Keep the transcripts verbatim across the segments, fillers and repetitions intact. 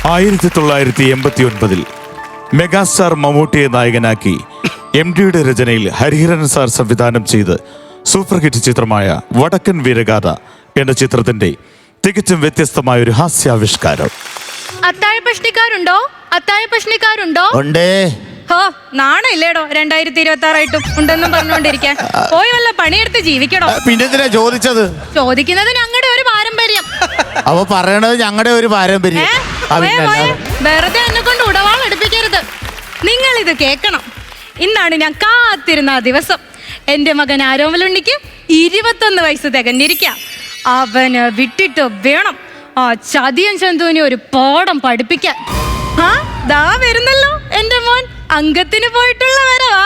ആയിരത്തി തൊള്ളായിരത്തി എൺപത്തി ഒൻപതിൽ മെഗാസ്റ്റാർ മമ്മൂട്ടിയെ നായകനാക്കി എം ഡിയുടെ രചനയിൽ ഹരിഹരൻ സാർ സംവിധാനം ചെയ്ത് സൂപ്പർ ഹിറ്റ് ചിത്രമായ വടക്കൻ വീരഗാഥ എന്ന ചിത്രത്തിന്റെ തികച്ചും വ്യത്യസ്തമായ ഒരു ഹാസ്യാവിഷ്കാരം. അത്താഴ പ്രശ്നക്കാരുണ്ടോ അത്താഴ പ്രശ്നക്കാരുണ്ടോ ഉണ്ടേ. ഹോ നാണയില്ലേടോ രണ്ടായിരത്തി ഇരുപത്തി ആറായിട്ടും ഉണ്ടെന്നും പറഞ്ഞുകൊണ്ടിരിക്കാൻ. പോയി വല്ല പണിയെടുത്ത് ജീവിക്കണോ? പിന്നെന്തിനാ ചോദിച്ചത്? ചോദിക്കുന്നത് ഞങ്ങളുടെ ഒരു പാരമ്പര്യം. അവ പറയണത് ഞങ്ങളുടെ ഒരു പാരമ്പര്യം. വെറുതെ എന്നെ കൊണ്ട് ഉടവാൾ എടുപ്പിക്കരുത്. നിങ്ങൾ ഇത് കേൾക്കണം. ഇന്നാണ് ഞാൻ കാത്തിരുന്ന ആ ദിവസം. എന്റെ മകൻ ആരോമലുണ്ണിക്ക് ഇരുപത്തൊന്ന് വയസ്സ് തികഞ്ഞിരിക്കാം. അവന് വിട്ടിട്ട് വേണം ആ ചതിയൻ ചന്തുവിനെ ഒരു പാഠം പഠിപ്പിക്കാൻ. ആ ദാ വരുന്നല്ലോ എന്റെ മോൻ. അംഗത്തിന് പോയിട്ടുള്ള വരവാ.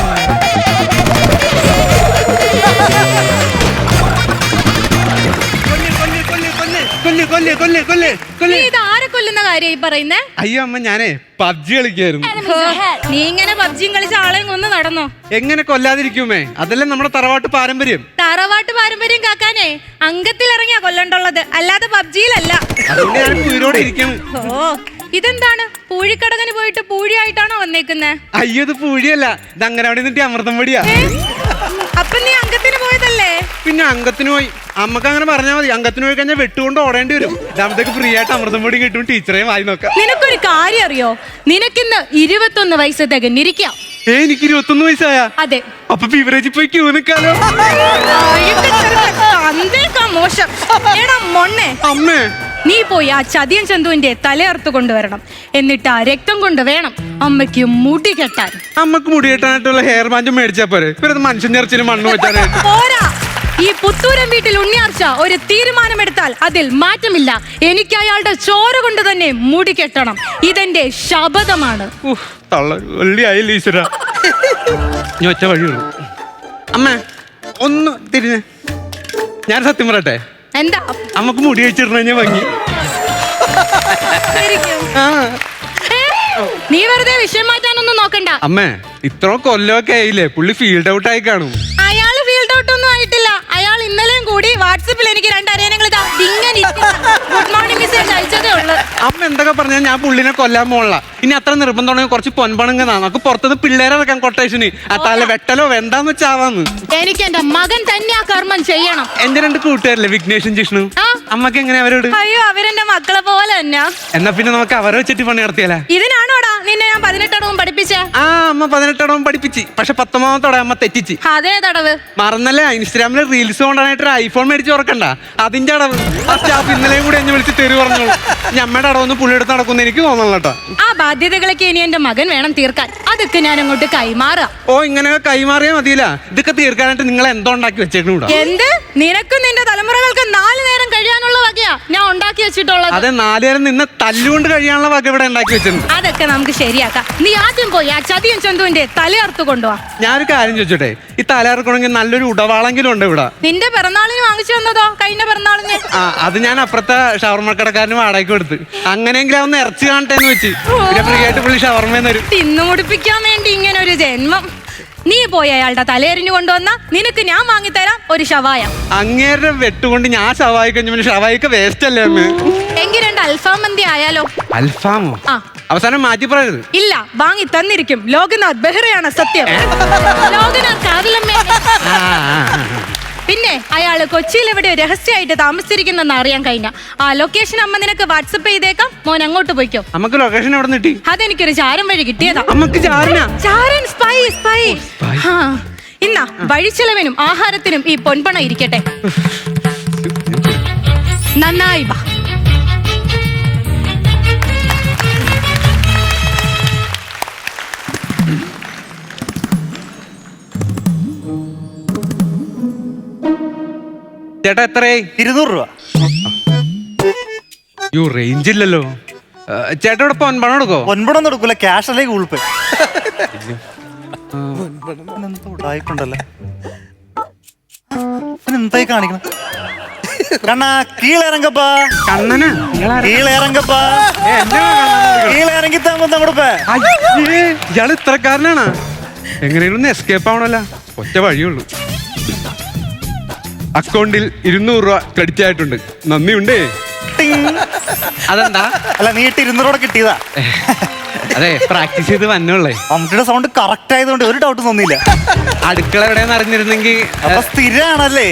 ഇത് ആരെ കൊല്ലുന്ന കാര്യമായി പറയുന്നേ? അയ്യോ അമ്മ, ഞാനേ പബ്ജി കളിക്കായിരുന്നു. നീ ഇങ്ങനെ പബ്ജിയും കളിച്ച ആളെയും കൊന്ന് നടന്നോ? എങ്ങനെ കൊല്ലാതിരിക്കുമേ? അതല്ലേ നമ്മുടെ തറവാട്ട് പാരമ്പര്യം. തറവാട്ട് പാരമ്പര്യം കാക്കാനേ അംഗത്തിൽ ഇറങ്ങിയാ കൊല്ലണ്ടുള്ളത്, അല്ലാതെ പബ്ജിയിലല്ല. അതുകൊണ്ട് ഞാൻ ഉയിരോടെ ഇരിക്കും. ഓ ഇതെന്താണ്? പൂഴിക്കടകന് പോയിട്ട് പൂഴിയായിട്ടാണോ വന്നേക്കുന്നേ? അയ്യോ ഇത് പൂഴിയല്ല, ഇത് അങ്ങനെ അവിടെ നിന്നിട്ട് അമൃതം പൊടിയാ. അപ്പൊ നീ അംഗത്തിന് പോയതല്ലേ? പിന്നെ അംഗത്തിന് പോയി. അമ്മക്ക് അങ്ങനെ പറഞ്ഞാൽ മതി. അംഗത്തിന് പോയി കഴിഞ്ഞാൽ വെട്ടുകൊണ്ട് ഓടേണ്ടി വരും. ഇതാകുമ്പത്തേക്ക് ഫ്രീ ആയിട്ട് അമൃതം പൊടി കിട്ടും. ടീച്ചറേയും വായി നോക്കാം. നിനക്കൊരു കാര്യം അറിയോ? നിനക്കിന്ന് ഇരുപത്തൊന്ന് വയസ്സ് തികഞ്ഞിരിക്കാം. ഏ എനിക്ക് ഇരുപത്തൊന്ന് വയസ്സായ? അതെ. അപ്പൊ ബിവറേജിൽ പോയി ക്യൂ നിൽക്കാലോ. മോശം. എടാ മൊണ്ണേ, അമ്മേ നീ പോയി ആ ചതിയൻ ചന്തുവിന്റെ തലയർത്ത് കൊണ്ടുവരണം. എന്നിട്ട് ആ രക്തം കൊണ്ട് വേണം അമ്മയ്ക്ക് മുടി കെട്ടാൻ. അമ്മക്ക് മുടി കെട്ടാനായിട്ടുള്ള ഹെയർ ബാൻഡ് മേടിച്ചാ പോരെ? ഇവരത് മനുഷ്യൻ ഇറച്ചിന് മണ്ണ് വെച്ചാനായിട്ട് പോരാ. ഈ പുത്തൂരം വീട്ടിൽ ഉണ്ണിയാർച്ച ഒരു തീരുമാനമെടുത്താൽ അതിൽ മാറ്റമില്ല. എനിക്ക് അയാളുടെ ചോര കൊണ്ട് തന്നെ മുടി കെട്ടണം. ഇതെന്റെ ശപഥമാണ്. വെള്ളിയായില്ല ഈശ്വര. ഞാൻ ഒറ്റ വഴിയുള്ളൂ. അമ്മ ഒന്ന് തിരിഞ്ഞ് ഞാൻ സത്യം പറയട്ടെ. എന്താ? അമ്മക്ക് മുടി വെച്ചിരുന്ന ഭംഗി. നീ വെറുതെ വിഷയം മാറ്റാനൊന്നും നോക്കണ്ട. അമ്മേ ഇത്ര കൊല്ലമൊക്കെ ആയില്ലേ, പുള്ളി ഫീൽഡ് ഔട്ട് ആയി കാണും. അയാള് ഫീൽഡ് ഔട്ട് ഒന്നും ആയിട്ടില്ല. അയാൾ ഇന്നലെയും കൂടി വാട്സപ്പിൽ എനിക്ക് രണ്ടറിയാനങ്ങൾ ഗുഡ് മോർണിംഗ് മെസ്സേജ് അയച്ചതേ ഉള്ളു. അമ്മ എന്തൊക്കെ പറഞ്ഞാൽ ഞാൻ പുള്ളിനെ കൊല്ലാൻ പോണില്ല. ഇനി അത്ര നിർബന്ധമാണെങ്കിൽ കുറച്ച് പൊൻപണങ്ങുന്ന നമുക്ക് പുറത്തുനിന്ന് പിള്ളേരെ വെക്കാൻ കൊട്ടേഷന്. ആ തല വെട്ടലോ വേണ്ടാന്ന് വെച്ചാവാന്ന്. എനിക്ക് എന്റെ മകൻ തന്നെ ആ കർമ്മം ചെയ്യണം. എന്റെ രണ്ട് കൂട്ടുകാരല്ലേ വിഘ്നേഷും ജിഷ്ണു, അമ്മക്ക് എങ്ങനെ അവരോട്? അയ്യോ അവരെന്റെ മക്കളെ പോലെ തന്നെ. എന്നാ പിന്നെ നമുക്ക് അവരെ വെച്ചിട്ട് പണി നടത്തിയാലേ? ഇതിനാണോടാ നിന്നെ ഞാൻ പതിനെട്ടടവും പഠിപ്പിച്ച? ആ അമ്മ പതിനെട്ടടവും പഠിപ്പിച്ച്. പക്ഷെ പത്തൊമ്പതാമത്തോടെ അമ്മ തെറ്റിച്ച്. അതേ തടവ് മറന്നല്ലേ? ഇൻസ്റ്റാഗ്രാമില് റീൽസ് കൊണ്ടാനായിട്ട് ഒരു ഐഫോൺ മേടിച്ച് തുറക്കണ്ട, അതിന്റെ അടവ്. ആ സ്റ്റാഫ് ഇന്നലെയും കൂടി എന്നെ വിളിച്ച് തെറി പറഞ്ഞോളൂ. ഞമ്മയുടെ അടവൊന്നും പുള്ളിയെടുത്ത് നടക്കുന്ന എനിക്ക് തോന്നണം കേട്ടോ. ആ ബാധ്യതകളൊക്കെ ഇനി എന്റെ മകൻ വേണം തീർക്കാൻ. അതൊക്കെ ഞാൻ അങ്ങോട്ട് കൈമാറാം. ഓ ഇങ്ങനെ കൈമാറിയാ മതിയില്ല. ഇതൊക്കെ തീർക്കാനായിട്ട് നിങ്ങൾ എന്തോ ഉണ്ടാക്കി വെച്ചേക്കണൂടാ. എന്ത്? നിനക്കും നിന്റെ തലമുറകൾക്ക് നാല് നേരം കഴിയാനുള്ള വകയാ ഞാൻ ഉണ്ടാക്കി വെച്ചിട്ടുള്ളത്. അതെ, നാല് നേരം നിന്ന് തല്ലുകൊണ്ട് കഴിയാനുള്ള വക ഇവിടെ ഉണ്ടാക്കി വെച്ചിട്ടുണ്ട്. അതൊക്കെ നമുക്ക് ശരിയാക്കാം. നീ ആദ്യം പോയി ആ ചതിയൻ ചന്തുവിന്റെ തലയർത്ത് കൊണ്ടുപോവാ. ഞാനൊരു കാര്യം ചോദിച്ചോട്ടെ, ഈ തലയിറക്കണമെങ്കിൽ നല്ലൊരു ഉടവാളെങ്കിലും ഉണ്ട് ഇവിടെ. നിന്റെ പിറന്നാളിന് വാങ്ങിച്ചു വന്നതോ? കഴിഞ്ഞ പിറന്നാളിന്? ആ അത് ഞാൻ അപ്പുറത്തെ ഷവർമ്മ കടക്കാരന് വാടകയ്ക്ക് കൊടുത്ത്. അങ്ങനെയെങ്കിലും അവന്ന് ഇറച്ചി കാണട്ടെ എന്ന് വെച്ച്. പിന്നെ ഫ്രീ ആയിട്ട് പുള്ളി ഷവർമ്മ തരും. തിന്നു മുടിപ്പിക്കാൻ വേണ്ടി ഇങ്ങനെ ഒരു ജന്മം. നീ പോയി അയാളുടെ തലയെറിഞ്ഞു കൊണ്ടുവന്ന നിനക്ക് ഞാൻ വാങ്ങിത്തരാം ഒരു ഷവായ. അങ്ങേരുടെ വെട്ടുകൊണ്ട് ഞാൻ ഷവായി കഴിഞ്ഞ പിന്നെ ഷവായിക്ക് വേസ്റ്റ് അല്ലേ അമ്മ? എങ്കിൽ രണ്ട് അൽഫാം മന്തി ആയാലോ? അൽഫാമോ? ആ അവസാനം മാറ്റി പറയരുത്. ഇല്ല, വാങ്ങി തന്നിരിക്കും. ലോകനാഥ് ബെഹ്റയാണ് സത്യം. ലോകനാഥ് കാതിലമ്മേ. പിന്നെ അയാള് കൊച്ചിയിൽ എവിടെ രഹസ്യമായിട്ട് താമസിച്ചിരിക്കുന്നെന്ന് അറിയാൻ കഴിഞ്ഞ ആ ലൊക്കേഷൻ അമ്മ നിനക്ക് വാട്സപ്പ് ചെയ്തേക്കാം. മോൻ അങ്ങോട്ട് പോയിക്കോ. നമുക്ക് ലൊക്കേഷൻ എവിടെ കിട്ടി? അതെനിക്കൊരു ചാരം വഴി കിട്ടിയതാ. നമുക്ക് ചാരനാ? ചാരൻ സ്പൈ സ്പൈ. ഇന്നാ വഴിച്ചെലവിനും ആഹാരത്തിനും ഈ പൊൻപണ ഇരിക്കട്ടെ. നന്നായി വാ. ചേട്ടാ എത്രയായി? ഇരുന്നൂറ് രൂപ. യോ റേഞ്ച് ഇല്ലല്ലോ. ചേട്ടാ ഇവിടെ പൊൻപണം എടുക്കോ? ഒൻപതൊന്നും എടുക്കൂല, ക്യാഷ് അല്ലേ ഗൂഗിൾ പേ. ഉടായിക്കൊണ്ടല്ലേ എന്തായി കാണിക്കണം? കണ്ണാ കീഴിറങ്ങപ്പാ. കണ്ണനാ? കീഴിറങ്ങപ്പാ. കീഴിറങ്ങി കൊടുപ്പേ. ഇയാള് ഇത്രക്കാരനാണ്. എങ്ങനെയും എസ്കേപ്പ് ആവണല്ലോ. ഒറ്റ വഴിയുള്ളൂ. അക്കൗണ്ടിൽ ഇരുന്നൂറ് രൂപ ക്രെഡിറ്റ് ആയിട്ടുണ്ട്. നന്ദിയുണ്ടേ. അതെന്താ? അല്ല നീട്ടി ഇരുന്നൂറോടെ കിട്ടിയതാ. അതെ, പ്രാക്ടീസ് ചെയ്ത് വന്നുള്ളേ. മമ്മൂട്ടിയുടെ സൗണ്ട് കറക്റ്റ് ആയതുകൊണ്ട് ഒരു ഡൗട്ട് തോന്നിയില്ല. അടുക്കള എവിടെയെന്ന് അറിഞ്ഞിരുന്നെങ്കിൽ. അപ്പൊ സ്ഥിരാണല്ലേ?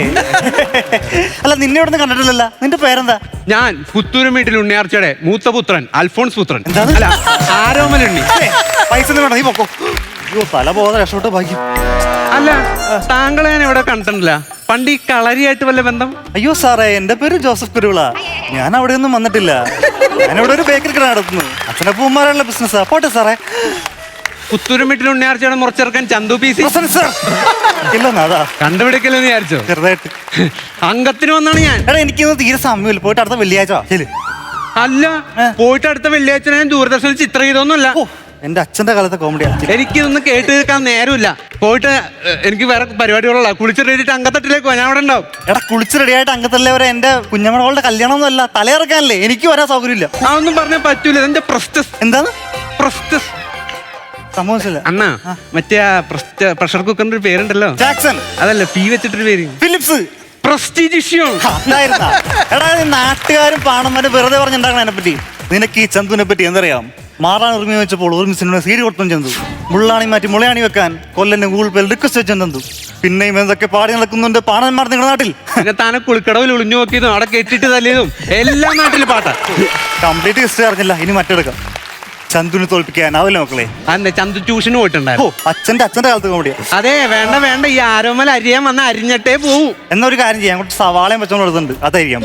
അല്ല നിന്നെ ഇവിടെ നിന്ന് കണ്ടിട്ടില്ലല്ലോ. നിന്റെ പേരെന്താ? ഞാൻ പുത്തൂരും വീട്ടിൽ ഉണ്ണിയാർച്ചയുടെ മൂത്ത പുത്രൻ അൽഫോൺസ് പുത്രൻ. എന്താണ്? അല്ല, ആരോമലുണ്ണി. ഏയ്, പൈസ ഒന്നും വേണം, നീ പൊക്കോ. അയ്യോ തല പോകാതെ രക്ഷപ്പെട്ട് ഭാഗ്യം. അല്ല, താങ്കളെ ഞാൻ ഇവിടെ കണ്ടിട്ടില്ല. പണ്ട് ഈ കളരിയായിട്ട് വല്ല ബന്ധം? അയ്യോ സാറേ, എന്റെ പേര് ജോസഫ് കുരുവിള. ഞാൻ അവിടെ ഒന്നും വന്നിട്ടില്ല. ഞാനിവിടെ ഒരു ബേക്കറി കട നടത്തുന്നു. അച്ഛനപ്പൂമാരുള്ള ബിസിനസ്സാ. പോട്ടെ സാറേ. പുത്തൂരും വീട്ടിൽ ഉണ്ണിയാർച്ചയുടെ മുറച്ചെറുക്കൻ ചന്തു പി സി ഇല്ലെന്നാ അതാ കണ്ടുപിടിക്കലെന്ന് വിചാരിച്ചോ? ചെറുതായിട്ട്. അംഗത്തിന് വന്നാണ് ഞാൻ. എടാ എനിക്കൊന്നും തീരെ സമയമില്ല. പോയിട്ട് അടുത്ത വെള്ളിയാഴ്ച വാ. ശരി. അല്ല, പോയിട്ട് അടുത്ത വെള്ളിയാഴ്ച ഞാൻ ദൂരദർശനിൽ ചിത്രം ചെയ്തൊന്നുമല്ല. ഓ, എന്റെ അച്ഛന്റെ കാലത്തെ കോമഡിയാ. എനിക്കിതൊന്നും കേട്ട് കേൾക്കാൻ നേരമില്ല. പോയിട്ട് ഏ, എനിക്ക് വേറെ പരിപാടികളുള്ള കുളിച്ച് റെഡിയിട്ട് അങ്കത്തട്ടിലേക്ക് പോവാ. ഞാൻ അവിടെ ഉണ്ടാവും. എടാ കുളിച്ച് റെഡിയായിട്ട് അംഗത്തല്ലേ വരെ എന്റെ കുഞ്ഞമ്മളുടെ കല്യാണം ഒന്നും അല്ല, തലയിറക്കാനല്ലേ. എനിക്ക് വരാൻ സൗകര്യമില്ല. അതൊന്നും പറഞ്ഞാൽ പറ്റൂല. എന്റെ പ്രസ്റ്റസ്. എന്താണ് പ്രസ്റ്റസ് സംഭവിച്ചില്ല? അണ്ണാ, മറ്റേ ആ പ്രഷർ കുക്കറിന്റെ ഒരു പേരുണ്ടല്ലോ. ജാക്സൺ. അതല്ല, പി വെച്ചിട്ടൊരു പേര്. ഫിലിപ്സ്. പ്രസ്റ്റീജിഷ്യം. അതായിരുന്നാ? എടാ ഈ നാട്ടുകാരും പാണന്മാരും വെറുതെ പറഞ്ഞുണ്ടാക്കണം എന്നെ പറ്റി. നിനക്ക് ഈ ചന്തുവിനെ പറ്റി എന്തറിയാം? മാറാൻ ഉറുമി വെച്ചപ്പോൾ ഒരു മിസ്സിനോട് സീരി കൊടുത്തും ചന്തു. മുള്ളാണി മാറ്റി മുളയാണി വെക്കാൻ കൊല്ലന്റെ ഗൂഗിൾ പേയിൽ റിക്വസ്റ്റ് വെച്ചും ചന്തു. പിന്നെയും എന്തൊക്കെ പാടി നടക്കുന്നുണ്ട് പാണന്മാർ നിങ്ങളുടെ നാട്ടിൽ. പിന്നെ താനെ കുളിക്കടവിൽ ഒളിഞ്ഞു നോക്കിയതും അവിടെ കെട്ടിട്ട് തല്ലിയതും എല്ലാ നാട്ടിലും പാട്ടാ. കംപ്ലീറ്റ് ഹിസ്റ്ററി അറിഞ്ഞില്ല. ഇനി മറ്റെടുക്കാം. ചന്തുവിനെ തോൽപ്പിക്കാനാവില്ല മക്കളെ. അതെ, ചന്തു ട്യൂഷന് ഓ, പോയിട്ടുണ്ടായിരുന്നു. അച്ഛന്റെ അച്ഛന്റെ കാലത്ത് കോമഡിയാ. അതെ, വേണ്ട വേണ്ട, ഈ ആരോമൽ അരിയാൻ വന്ന അരിഞ്ഞിട്ടേ പോവും. എന്നൊരു കാര്യം ചെയ്യാം, കുറച്ച് സവാളയും വെച്ചോണ്ട് കൊടുത്തുണ്ട്, അതായിരിക്കാം.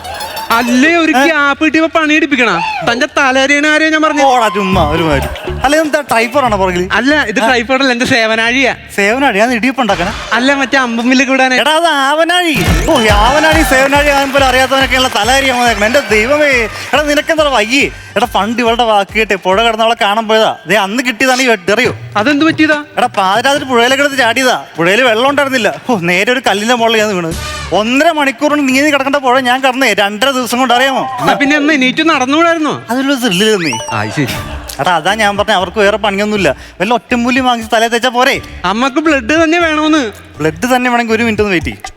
അല്ലേ, ഒരു ഗ്യാപ്പ് കിട്ടിയപ്പോ പണി എടുപ്പിക്കണ. തന്റെ തലരിയണ ആരെയോ ഞാൻ പറഞ്ഞു. ഓടാ ചുമ്മാ ഒരു മാതിരി. അല്ല എന്താ ട്രൈപ്പർ ആണോ പുറകിൽ? അല്ല, ഇത് ട്രൈപ്പോഡല്ല, എന്റെ സേവനാഴിയാ. സേവനാഴി? ഞാൻ ഇടിയപ്പുണ്ടാക്കണേ. അല്ല, മറ്റേ അമ്പമ്മിലേക്ക് വിടാനേ. എടാ അത് ആവനാഴി. ഓ, ആവനാഴി സേവനാഴി ആകുമ്പോൾ അറിയാത്തവനൊക്കെയുള്ള തല അരിയാൻ വന്നേക്കണം. എന്റെ ദൈവമേ, എടാ നിനക്കെന്താ വയ്യേ? എടാ പണ്ട് ഇവളുടെ വാക്ക് കേട്ടെ പുഴ കിടന്നവളെ കാണാൻ പോയതാ. ദേ അന്ന് കിട്ടിയതാണ് ഈ വെട്ടറിയോ? അതെന്ത് പറ്റിയതാ? എടാ പാതിരാത്രി പുഴയിലേക്ക് എടുത്ത് ചാടിയതാ. പുഴയിൽ വെള്ളം ഉണ്ടായിരുന്നില്ല. ഓ, നേരെ ഒരു കല്ലിന്റെ മുകളിൽ ഞാൻ വീണ്. ഒന്നര മണിക്കൂറിന് നീങ്ങി കിടക്കേണ്ട പുഴ ഞാൻ കടന്നേ രണ്ടര ദിവസം കൊണ്ട്, അറിയാമോ? എന്നാ പിന്നെ എന്നാ നീറ്റ് നടന്നുകൂടായിരുന്നോ? അതിലൊരു ത്രില്ല് നീ. ആ, ശരി. എടാ അതാ ഞാൻ പറഞ്ഞ, അവർക്ക് വേറെ പണിയൊന്നുമില്ല. വല്ല ഒറ്റമൂലി വാങ്ങിച്ച് തലേ തേച്ചാ പോരെ. അമ്മക്ക് ബ്ലഡ് തന്നെ വേണമെന്ന്. ബ്ലഡ് തന്നെ വേണമെങ്കിൽ ഒരു മിനിറ്റ് ഒന്ന് വെയിറ്റ് ചെയ്യും.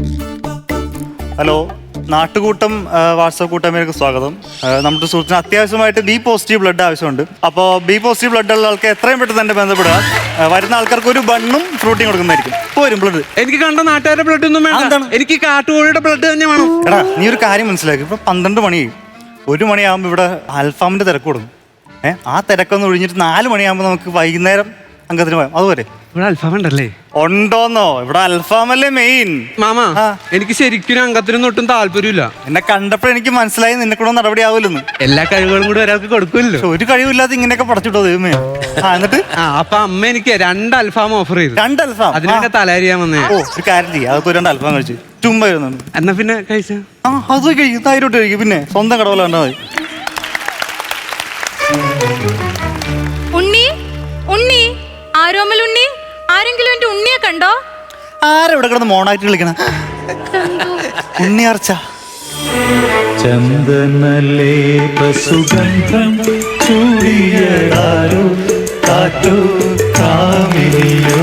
ഹലോ, നാട്ടുകൂട്ടം വാട്സപ്പ് കൂട്ടായ്മയിലേക്ക് സ്വാഗതം. ആ, നമ്മുടെ സുഹൃത്തിന് അത്യാവശ്യമായിട്ട് ബി പോസിറ്റീവ് ബ്ലഡ് ആവശ്യമുണ്ട്. അപ്പോൾ ബി പോസിറ്റീവ് ബ്ലഡ് ഉള്ള ആൾക്ക് എത്രയും പെട്ടെന്ന് തന്നെ ബന്ധപ്പെടുക. ആ, വരുന്ന ആൾക്കാർക്ക് ഒരു ബണ്ണും ഫ്രൂട്ടിയും കൊടുക്കുന്നതായിരിക്കും. പോരും ബ്ലഡ്. എനിക്ക് കണ്ട നാട്ടുകാരുടെ ബ്ലഡ് ഒന്നും വേണ്ട. അതെന്താണ്? എനിക്ക് കാട്ടുകോഴിയുടെ ബ്ലഡ് തന്നെ വേണം. എടാ നീ ഒരു കാര്യം മനസ്സിലാക്കി. ഇപ്പൊ പന്ത്രണ്ട് മണി ഒരു മണിയാകുമ്പോൾ ഇവിടെ അൽഫാമിന്റെ തിരക്ക് കൊടുക്കും. ഏഹ് ആ തിരക്കൊന്ന് ഒഴിഞ്ഞിട്ട് നാല് മണിയാകുമ്പോൾ നമുക്ക് വൈകുന്നേരം അംഗത്തിന് പോയാൽ അതുപോലെ. ഇവിടെ അൽഫാം ഉണ്ടല്ലേ? ഉണ്ടോന്നോ? ഇവിടെ അൽഫാമല്ലേ മെയിൻ. മാമാ, ആ. എനിക്ക് ശരിക്കും അംഗത്തിനും ഒട്ടും താല്പര്യമില്ല. എന്നെ കണ്ടപ്പോൾ എനിക്ക് മനസ്സിലായി നിന്നെ കൂടെ നടപടി ആവില്ലെന്ന്. എല്ലാ കഴിവുകളും കൂടി ഒരാൾക്ക് കൊടുക്കുമല്ലോ. പക്ഷെ ഒരു കഴിവില്ലാതെ ഇങ്ങനെയൊക്കെ പടച്ചിട്ടോ ദൈവമേ. ആ എന്നിട്ട് ആ, അപ്പൊ അമ്മ എനിക്ക് രണ്ട് അൽഫാം ഓഫർ ചെയ്തു. രണ്ട് അൽഫാം. അതിനൊക്കെ തലരിയാൻ വന്നേ. ഓ ഒരു കാര്യം ചെയ്യാം, അതൊക്കെ രണ്ട് അൽഫാം കഴിച്ചു ചുമ്മാ ഇരുന്നുണ്ട്. എന്നാ പിന്നെ കഴിച്ച. ആ അത് കഴിക്കും, തായിരോട്ട് കഴിക്കും. പിന്നെ സ്വന്തം കടവല കണ്ടാൽ മതി. ഉണ്ണി, ഉണ്ണി, ആരോമൽ ഉണ്ണി, ആരെങ്കിലും എന്റെ ഉണ്ണിയെ കണ്ടോ? ആരും ഇവിടെ കിടന്ന് മോണായിട്ട് കളിക്കണ ഉണ്ണിയാർച്ച. ചന്ദനലേപ സുഗന്ധം ചൂടിയതാരോ കാറ്റോ കാമിനിയോ.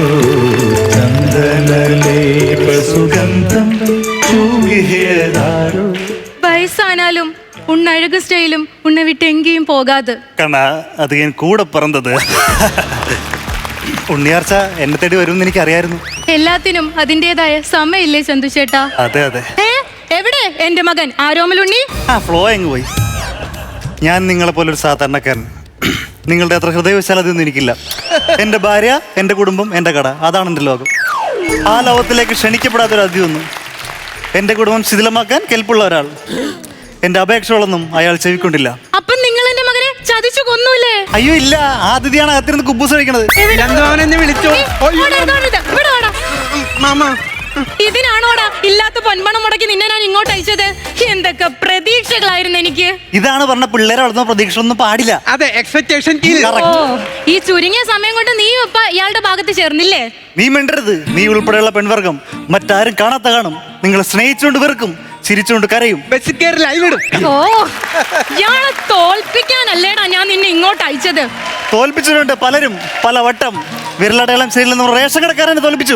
ചന്ദനലേപ സുഗന്ധം ചൂടിയതാരോ. വയസ്സാനാലും ഉണ്ണഴക് സ്റ്റൈലും ഉണ്ണ വിട്ട് എങ്കേയും പോകാതെ. കണ്ണ അത് ഞാൻ കൂടെ പിറന്നത്. ഉണ്ണിയാർച്ച എന്നെ തേടി വരുമെന്ന് എനിക്ക് അറിയായിരുന്നു. എല്ലാത്തിനും അതിൻ്റെതായ സമയമില്ലേ ചന്തു ചേട്ടാ? അതെ അതെ. ഏ, എവിടെ എന്റെ മകൻ ആരോമൽ ഉണ്ണി? ആ ഫ്ലോ എങ്ങ് പോയി. ഞാൻ നിങ്ങളെ പോലെ ഒരു സാധാരണക്കാരൻ. നിങ്ങളുടെ അത്ര ഹൃദയവിശാലതയൊന്നും എനിക്കില്ല. എൻ്റെ ഭാര്യ, എൻ്റെ കുടുംബം, എൻ്റെ കട, അതാണ് എൻ്റെ ലോകം. ആ ലോകത്തിലേക്ക് ക്ഷണിക്കപ്പെടാത്തൊരു അതിഥിയൊന്നും. എൻ്റെ കുടുംബം ശിഥിലമാക്കാൻ കെൽപ്പുള്ള ഒരാൾ. എൻ്റെ അപേക്ഷകളൊന്നും അയാൾ ചെവിക്കൊണ്ടില്ല. അപ്പൊ നിങ്ങൾ എന്റെ മകനെ ചതിച്ചു കൊന്നൂല്ലേ? അയ്യോ ഇല്ല, ആ അതിഥിയാണ് അകത്തിരുന്ന് കുബൂസ് കഴിക്കണത്. രണ്ടുവൻ എന്നെ വിളിച്ചോ? ഏ, ഓടാ, ഇതാ, ഇതാ, ഇവിടെ വാടാ. മാമ, ഇതിനാണോടാ ഇല്ലാത്ത പൊൻപണം മുടക്കി നിന്നെ ഞാൻ ഇങ്ങോട്ട് അയച്ചത്? എന്തൊക്കെ പ്രതീക്ഷകളായിരുന്നു എനിക്ക്. ഇതാണ് പറഞ്ഞ പിള്ളേരെ വളർത്തുന്ന പ്രതീക്ഷ ഒന്നും പാടില്ല. അതെ, എക്സ്പെക്ടേഷൻ. ഓ, ഈ ചുരുങ്ങിയ സമയം കൊണ്ട് നീ ഇപ്പൊ ഇയാളുടെ ഭാഗത്ത് ചേർന്നില്ലേ? നീ മിണ്ടരുത്. നീ ഉൾപ്പെടെയുള്ള പെൺവർഗം മറ്റാരും കാണാത്ത കാണും. നിങ്ങളെ സ്നേഹിച്ചുകൊണ്ട് വെറുക്കും, ചിരിച്ചുകൊണ്ട് കരയും. ലൈവ് ഇടും. ഓ, ഇയാളെ തോൽപ്പിക്കാനല്ലേടാ ഞാൻ നിന്നെ ഇങ്ങോട്ട് അയച്ചത്. തോൽപ്പിച്ചിട്ടുണ്ട് പലരും പല വട്ടം. വിരലടയാളം ശരിയില്ലെന്ന് റേഷൻ കടക്കാരനെ തോൽപ്പിച്ചു.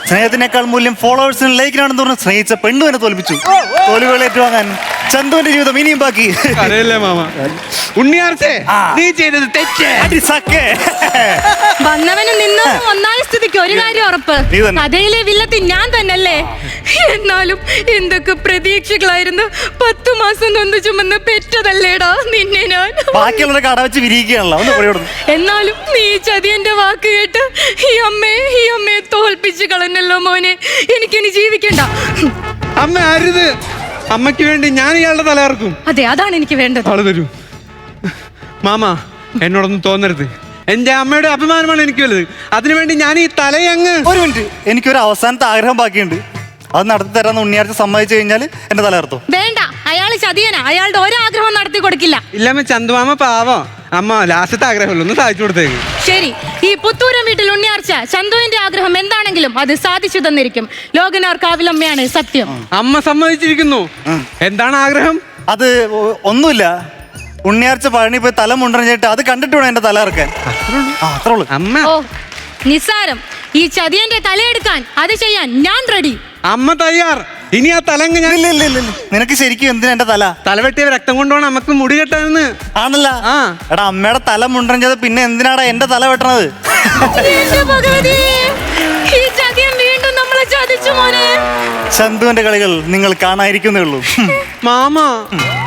സ്നേഹത്തിനേക്കാൾ മൂല്യം ഫോളോവേഴ്സിനും ലൈക്കിനാണെന്ന് പറഞ്ഞ് സ്നേഹിച്ച പെണ്ണു എന്നെ തോൽപ്പിച്ചു. തോൽവികൾ ഏറ്റുവാങ്ങാൻ ചന്തുവിന്റെ ജീവിതം ഇനിയും ബാക്കി. അറിയില്ലേ മാമ, ഉണ്ണിയാർച്ചേ നീ ചെയ്തത് തെറ്റ്. അടി സക്കേ. വന്നവനും നിന്നവനും ഒന്നായ സ്ഥിതിക്ക് ഒരു കാര്യം ഉറപ്പ്, നീ തന്നെ. കഥയിലെ വില്ലത്തി ഞാൻ തന്നല്ലേ. എന്നാലും എന്തൊക്കെ പ്രതീക്ഷകളായിരുന്നു. പത്തു മാസം നൊന്ത് ചുമന്ന് പെറ്റതല്ലേടാ നിന്നെ ഞാൻ. ബാക്കിയുള്ളവരെ കട വെച്ച് വിരിയിക്കുകയാണല്ലോ. ഒന്ന് പൊടിയോടുന്നു. എന്നാലും നീ ചതിയന്റെ വാക്ക് കേട്ട് ഈ അമ്മയെ ഈ അമ്മയെ തോൽപ്പിച്ച് കളഞ്ഞല്ലോ മോനെ. എനിക്കിനി ജീവിക്കണ്ട. അമ്മ അരുത്, അമ്മയ്ക്ക് വേണ്ടി ഞാൻ ഇയാളുടെ തലയിറക്കും. അതെ, അതാണ് എനിക്ക് വേണ്ടത്. ആള് തരൂ മാമ, എന്നോടൊന്നും തോന്നരുത്. എന്റെ അമ്മയുടെ അഭിമാനമാണ് എനിക്ക് വലുത്. അതിനുവേണ്ടി ഞാൻ ഈ തലയങ്ങ്. ഒരു മിനിറ്റ്, എനിക്കൊരു അവസാനത്തെ ആഗ്രഹം ബാക്കിയുണ്ട്. അത് നടത്തി തരാന്ന് ഉണ്ണിയാഴ്ച സമ്മതിച്ചു കഴിഞ്ഞാൽ എന്റെ തലയിർത്തോ? വേണ്ട, അയാള് ചതിയനാ. അയാളുടെ ഒരാഗ്രഹം നടത്തി കൊടുക്കില്ല. ഇല്ലമ്മ, ചന്തുമാമ പാവം. അമ്മ ലാസ്റ്റത്തെ ആഗ്രഹമല്ലോ, ഒന്ന് സാധിച്ചു കൊടുത്തേക്ക്. ശരി, ഈ പുത്തൂരം വീട്ടിൽ ഉണ്ണിയാർച്ച ചന്തുവിന്റെ ആഗ്രഹം എന്താണെങ്കിലും അത് സാധിച്ചു തന്നിരിക്കും. ലോകനാർ കാവിലമ്മയാണ് സത്യം. അമ്മ സമ്മതിച്ചിരിക്കുന്നു. എന്താണ് ആഗ്രഹം? അത് ഒ- ഒന്നുമില്ല. ഉണ്ണിയാഴ്ച പഴനി പോയി തല മുണ്ടറിഞ്ഞിട്ട് അത് കണ്ടിട്ട് വേണം എന്റെ തല ഇറക്കാൻ. ആ, അത്രേ ഉള്ളൂ. അമ്മ ഓ നിസ്സാരം. ഈ ചതിയന്റെ തലയെടുക്കാൻ അത് ചെയ്യാൻ ഞാൻ റെഡി. അമ്മ തയ്യാർ. ഇനി ആ തലങ്ങ് ഞാൻ. ഇല്ല ഇല്ല ഇല്ല ഇല്ല. നിനക്ക് ശരിക്കും എന്തിനാ എന്റെ തല? തലവെട്ടിയ രക്തം കൊണ്ടുപോകണം നമുക്ക് മുടി കെട്ടാന്ന്. ആണല്ല. ആ. എടാ, അമ്മയുടെ തല മുണ്ടറിഞ്ഞത് പിന്നെ എന്തിനാടാ എന്റെ തല വെട്ടണത്? എന്റെ ഭഗവതി, ഈ ചതിയൻ വീണ്ടും നമ്മളെ ചതിച്ചു മോനെ. ചന്തുവിന്റെ കളികൾ നിങ്ങൾ കാണാതിരിക്കുന്നേ ഉള്ളൂ. മാമ